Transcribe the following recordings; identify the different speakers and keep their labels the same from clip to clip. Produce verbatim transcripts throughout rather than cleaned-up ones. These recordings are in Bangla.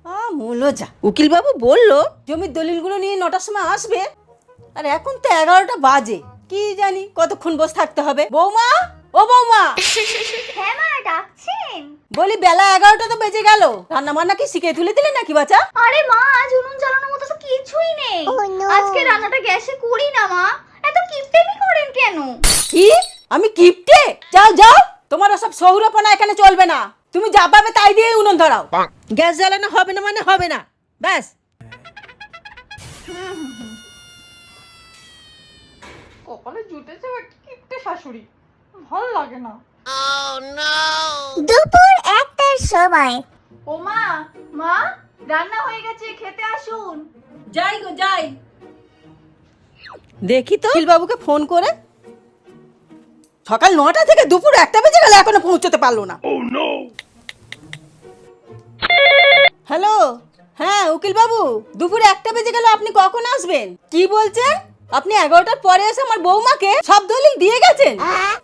Speaker 1: আমূলো যা। উকিল বাবু বললো জমির দলিলগুলো নিয়ে নটার সময় আসবে, আর এখন তো এগারোটা বাজে। কি জানি কতক্ষণ বসে থাকতে হবে। বৌমা, ও বৌমা।
Speaker 2: হ্যাঁ মা, ডাকছেন?
Speaker 1: বলি বেলা এগারোটা তো বেজে গেল, রান্না বান্না কি শিখে তুলে দিলে নাকি বাচ্চা?
Speaker 2: আরে মা, আজ উনুন জ্বালানোর মতো তো কিছুই নেই। আজকে রান্নাটা গ্যাসে করি না মা। এত কিপটেমি করেন কেন?
Speaker 1: কি? আমি কিপটে? যাও যাও, তোমার ওসব সৌরপনা এখানে চলবে না। তুমি যা পাবে তাই দিয়ে উনুন ধরাও। গ্যাস জ্বালানো হবে না মানে হবে না, ব্যাস।
Speaker 3: কপালে জুটেছে একটা কিপটে শাশুড়ি, ভালো লাগে না।
Speaker 2: দুপুর একটার সময়।
Speaker 3: ও মা, মা রান্না হয়ে গেছে, খেতে আসুন।
Speaker 1: যাই গো যাই। দেখি তো উকিল বাবুকে ফোন করে, সকাল নটা থেকে দুপুর একটা বেজে গেল এখনো পৌঁছতে পারলো না। হ্যালো, হ্যাঁ উকিল বাবু, দুপুর একটা বেজে গেল, আপনি কখন আসবেন? কি বলছেন? আপনি এগারোটার পরে এসে আমার বৌমাকে সব দলিল দিয়ে গেছেন?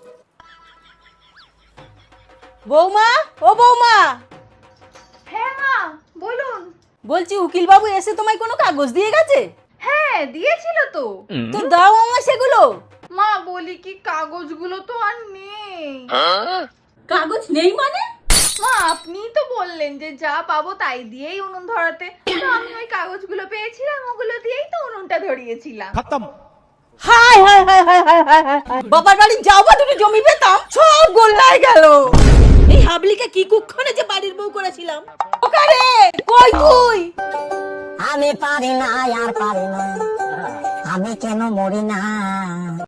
Speaker 1: বৌমা, ও বৌমা।
Speaker 3: হ্যাঁ মা, বলুন।
Speaker 1: বলছি উকিল বাবু এসে তোমায় কোনো কাগজ দিয়ে গেছে?
Speaker 3: হ্যাঁ দিয়েছিল তো।
Speaker 1: তো দাও আমার সেগুলো।
Speaker 3: মা বলি কি, কাগজগুলো তো আর নেই।
Speaker 1: কাগজ নেই মানে?
Speaker 3: মা আপনিই তো বললেন যে যা পাবো তাই দিয়েই উনুন ধরাতে, তো আমি ওই কাগজগুলো পেয়েছিলাম, ওগুলো দিয়েই তো উনুনটা ধরিয়েছিলাম।
Speaker 1: Hi hi hi hi hi hi hi hi. বাবার বাড়ি যাও বা দুটো জমি পেতাম, সব গোল্লায় গেল। এই হাবলিকে কি কুক্ষণে যে বাড়ির বউ করেছিলাম। ওখানে কই তুই?
Speaker 4: আমি পারি না আর পারি না, আমি কেন মরি না।